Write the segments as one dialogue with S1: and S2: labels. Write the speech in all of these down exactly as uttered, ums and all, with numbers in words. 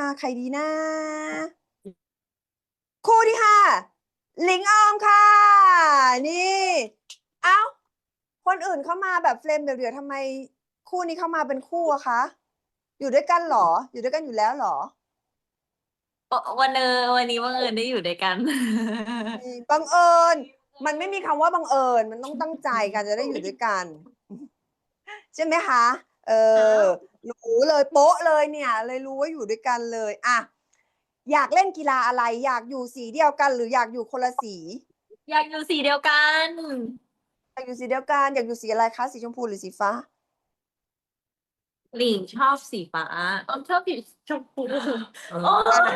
S1: ห้าใครดีนะคู่ที่ห้าหลิงออมค่ะ นี่ เอ้า คนอื่นเข้ามาแบบเฟรมเดี่ยวๆทำไมคู่นี้เข้ามาเป็นคู่อะคะ อยู่ด้วยกันเหรอ อยู่ด้วยกันอยู่แล้วเหรอ
S2: วันเออวันนี้บังเอิญได้อยู่ด้วยกัน
S1: บังเอิญ มันไม่มีคำว่าบังเอิญ มันต้องตั้งใจกันจะได้อยู่ด้วยกัน ใช่ไหมคะ เออ รู้เลยโป๊ะเลยเนี่ย เลยรู้ว่าอยู่ด้วยกันเลยอะอยากเล่นกีฬาอะไร อยากอยู่สีเดียวกัน หรืออยากอยู่คนละสี
S2: อยากอยู่สีเดียวกัน
S1: อยากอยู่สีเดียวกัน อยากอยู่สีอะไรคะ สีชมพูหรือสีฟ้า
S2: หลิงชอบสีฟ้าออมชอบสีชมพูโอ้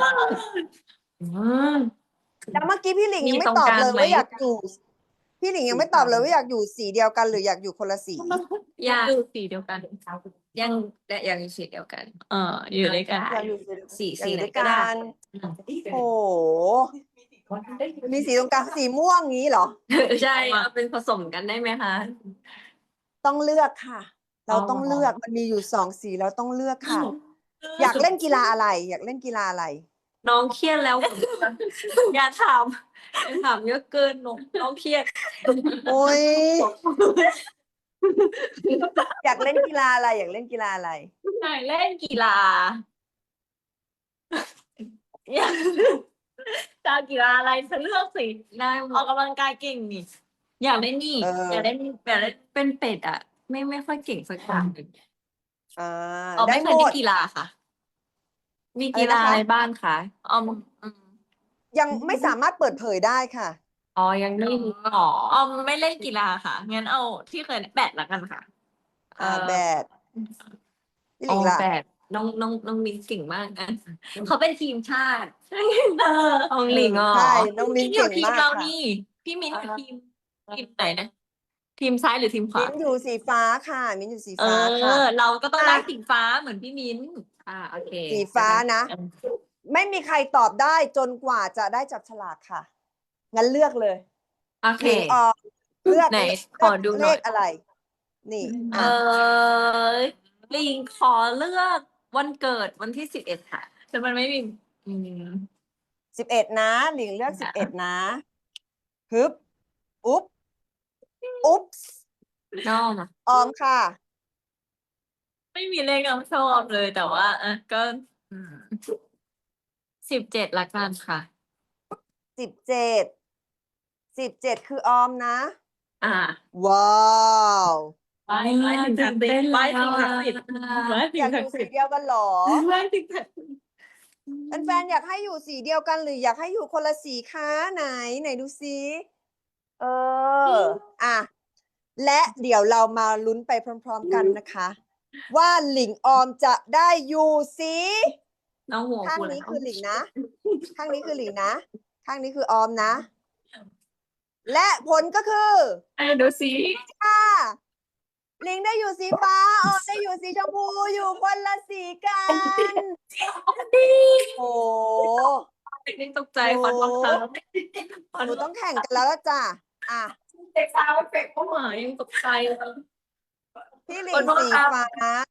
S1: แล้วเมื่อกี้พี่หลิง
S2: มี
S1: ยังไม่
S2: ตรง
S1: ตอบ
S2: กลาง
S1: เลย
S2: ไหม
S1: ว่าอยากอยู่ พี่หลิงยังไม่ตอบเลยว่าอยากอยู่สีเดียวกัน หรืออยากอยู่คนละสี
S2: อยากอยู่สีเดียวกัน ยังอยากอยู่สีเดียวกัน เอออยู่ด้วยกัน
S1: อยากอยู่สี
S2: สี
S1: อยากอยู่ด้วย
S2: สีไหนก็ได้
S1: กัน โอ้โห มีสีตรงกลางสีม่วงงี้เหรอ
S2: ใช่เอาเป็นผสมกันได้ไหมคะ
S1: ต้องเลือกค่ะ เราต้องเลือก มันมีอยู่สองสีเราต้องเลือกค่ะ อยากเล่นกีฬาอะไร อยากเล่นกีฬาอะไร
S2: น้องเครียดแล้ว อย่าถามอย่าถามเยอะเกินน้องน้องเครียด
S1: โอ้ย อยากเล่นกีฬาอะไร อยากเล่นกีฬาอะไร
S2: อยากเล่นกีฬาอยากจะเอากีฬาอะไรฉันเลือกสิได้ออกกำลังกายเก่งนี่อยากเล่นนี่
S1: เออ
S2: อยากเล่นอยากเล่นเป็นเป็ดอ่ะ ไม่ไม่ค่อยเก่งสักอย่างหนึ่ง
S1: อ่า
S2: อ๋อ
S1: ได้
S2: ไม่เค
S1: หม
S2: ยเล่
S1: ด
S2: นกีฬาค่ะ มี
S1: อะไร
S2: กีฬา
S1: นะคะ
S2: อะไรบ้างคะอ๋ออืม
S1: ยังไม่สามารถเปิดเผยได้ค่ะ
S2: อ๋อยังไม่รู้อ๋ออ๋อไม่เล่นกีฬาค่ะงั้นเอาที่เคยแบดละกันค่ะ
S1: อ่าแบด พี่ห
S2: อ๋
S1: ลิ
S2: อง
S1: ล่ะ
S2: แบดน้องน้องน้องมิ้นเก่งมากอ่ะเขาเป็นทีมชาติเออของหลิงอ๋อ
S1: ใช่ น้องมิ้น
S2: อยู่
S1: เก่ง
S2: ทีม
S1: มาก
S2: เรา
S1: ค่ะ
S2: นี่ พี่มิ้นอยู่ทีมทีมไหนนะ ทีมซ้ายหรือทีมขวา
S1: มิ้นอยู่สีฟ้าค่ะ มิ้นอยู่สี
S2: เอ
S1: ฟ้าค่ะ
S2: อ เราก็ต้อง
S1: อ่ะ
S2: ได้สีฟ้าเหมือนพี่มิ้นอ่าโอเค
S1: สีฟ้านะ ไม่มีใครตอบได้จนกว่าจะได้จับฉลากค่ะ งั้นเลือกเลย
S2: โอเค
S1: หลิงออกเลือก
S2: ไหน
S1: เลื
S2: ขอดู
S1: อก
S2: ห
S1: เล
S2: น่อย
S1: ขอะไร นี่
S2: เอ
S1: อ่ะ
S2: อหลิงขอเลือกวันเกิดวันที่สิบเอ็ดค่ะแต่มันไม่มีอืม
S1: สิบเอ็ดนะ หลิงเลือกสิบเอ็ดนะฮึบ อุ๊บ อุ๊บ
S2: ชอบอะ
S1: ออมค่ะ
S2: ไม่มีเลขน้ำชอบเลยแต่ว่าอ่ะก็สิบเจ็ดละกันค่ะ
S1: สิบเจ็ด สิบเจ็ดคือออมนะ
S2: อ่า
S1: ว้าว
S2: ไปไปถึงศักดิ์สิทธิ์ไปถึงศักดิ์สิทธิ์ไปถึ
S1: อง ยากอ
S2: ศัก
S1: ยู่
S2: ดิ์
S1: สี
S2: สิทธิ์
S1: เดียวกันเหรอ
S2: ไปถึงศักดิ์สิทธิ์
S1: แฟนๆอยากให้อยู่สีเดียวกัน หรืออยากให้อยู่คนละสีคะไหน ไหนดูซิเออ อ่ะ และเดี๋ยวเรามาลุ้นไปพร้อมๆกันนะคะ ว่าหลิงออมจะได้อยู่สี
S2: น้องหัว
S1: ข้าง
S2: กู
S1: นี้
S2: แล้ว
S1: คือหลิงนะ ข้างนี้คือหลิงนะ ข้างนี้คือออมนะ และผลก็คือ
S2: ไอ้ดูสิ
S1: ค่ะหลิงได้อยู่สีฟ้า ออมได้อยู่สีชมพู อยู่คนละสีกัน
S2: ดี
S1: โอ้
S2: เด็กตกใจขอโทษครับ
S1: หนูต้องแข่งกันแล้วล่ะจ้ะ อ่ะ
S2: เด็กสาวเฟกเข้ามายังตกใจเลย
S1: พี่หลิ
S2: ของ โทษ
S1: สี
S2: ครับ
S1: ฟ้า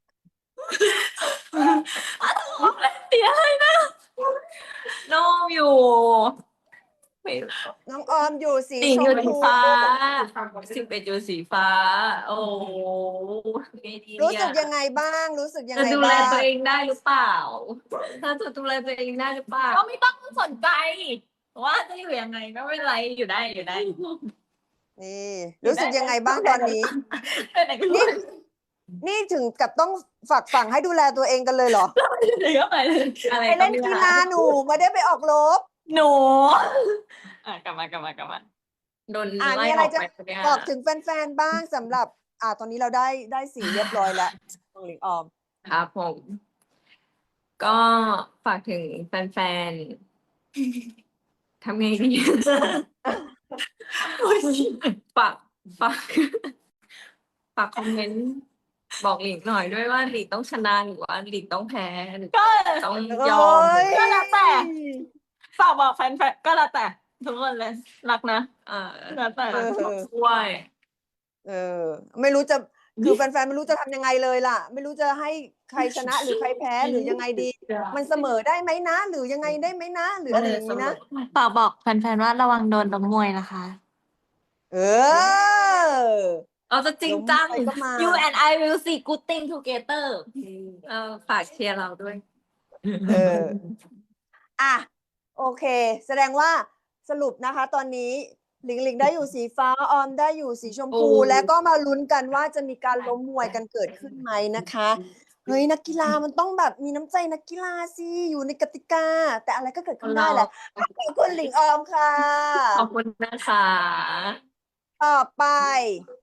S2: เสียเลยนะน้องอยู่ไม่
S1: น้องออมอยู่สี
S2: หลิง
S1: ช
S2: อยู่
S1: ม
S2: สี
S1: พู
S2: ฟ้าสิบเอ็ดอยู่สีฟ้า โอ้โหไงดี
S1: รู้
S2: เนี่
S1: สึ
S2: ย
S1: กยังไงบ้าง รู้สึกยัง
S2: จะ
S1: ไง
S2: ดูแล
S1: บ้าง
S2: ตัวเองได้หรือเปล่า ถ้าจะดูแลตัวเองได้หรือเปล่า ก็ไม่ต้องสนใจว่าจะอยู่ยังไงก็ไม่เป็นไรอยู่ได้อยู่ได้
S1: นี่ รู้สึกยังไงบ้างตอนนี้
S2: ไปไหนก็
S1: นี่ นี่ถึงกับต้องฝากฝังให้ดูแลตัวเองกันเลยเหรอ
S2: ไปก็ไปเลยอะไร
S1: ไปเล่นกีฬาหนูไม่ได้ไปออกรบ
S2: หนูอ่ะกลับมากลับมากลับมาโดน
S1: อ่า
S2: ไล่
S1: มีอะ
S2: อ
S1: ไร
S2: อก
S1: จะ
S2: ไปเนี่ย
S1: บอกถึงแฟนๆบ้างสำหรับ อ่า ตอนนี้เราได้ได้สีเรียบร้อยแล้วของหลิงออม
S2: ครับผม ก็ฝากถึงแฟนๆทำไงดีฝากฝากฝากคอมเมนต์บอกหลิงหน่อยด้วยว่าหลิงต้องชนะหรือว่าหลิงต้องแพ้หรือต้องยอม
S1: เอ้ย
S2: ก็แล้วแต่ ฝากบอกแฟนๆก็แล้วแต่ทุกคนเลยรักนะเออแล้วแต่
S1: เออ
S2: ช่วย
S1: เออ ไม่รู้จะ คือแฟนๆไม่รู้จะทำยังไงเลยล่ะ ไม่รู้จะให้ใครชนะหรือใครแพ้หรือยังไงดี มันเสมอได้ไหมนะ หรือยังไงได้ไหมนะ หรืออะไรอย่างนี้นะ
S3: ฝากบอกแฟนๆว่าระวังโดนล้มมวยนะคะ
S1: เออ
S2: เราจะจริงจัง
S1: ล้มไปก็มา
S3: You and I will see good thing together
S2: เออฝากเชียร์เราด้วย
S1: เออ อ่ะ โอเค แสดงว่าสรุปนะคะ ตอนนี้หลิงหลิงได้อยู่สีฟ้า ออมได้อยู่สีชมพู
S2: โอ้
S1: แล้วก็มาลุ้นกันว่าจะมีการล้มมวยกันเกิดขึ้นไหมนะคะ เฮ้ย นักกีฬามันต้องแบบมีน้ำใจนักกีฬาสิ อยู่ในกติกา แต่อะไรก็เกิดขึ้นได้แหละ ขอบคุณหลิงออมค่ะ
S2: ขอบคุณนะคะ
S1: ต่อไป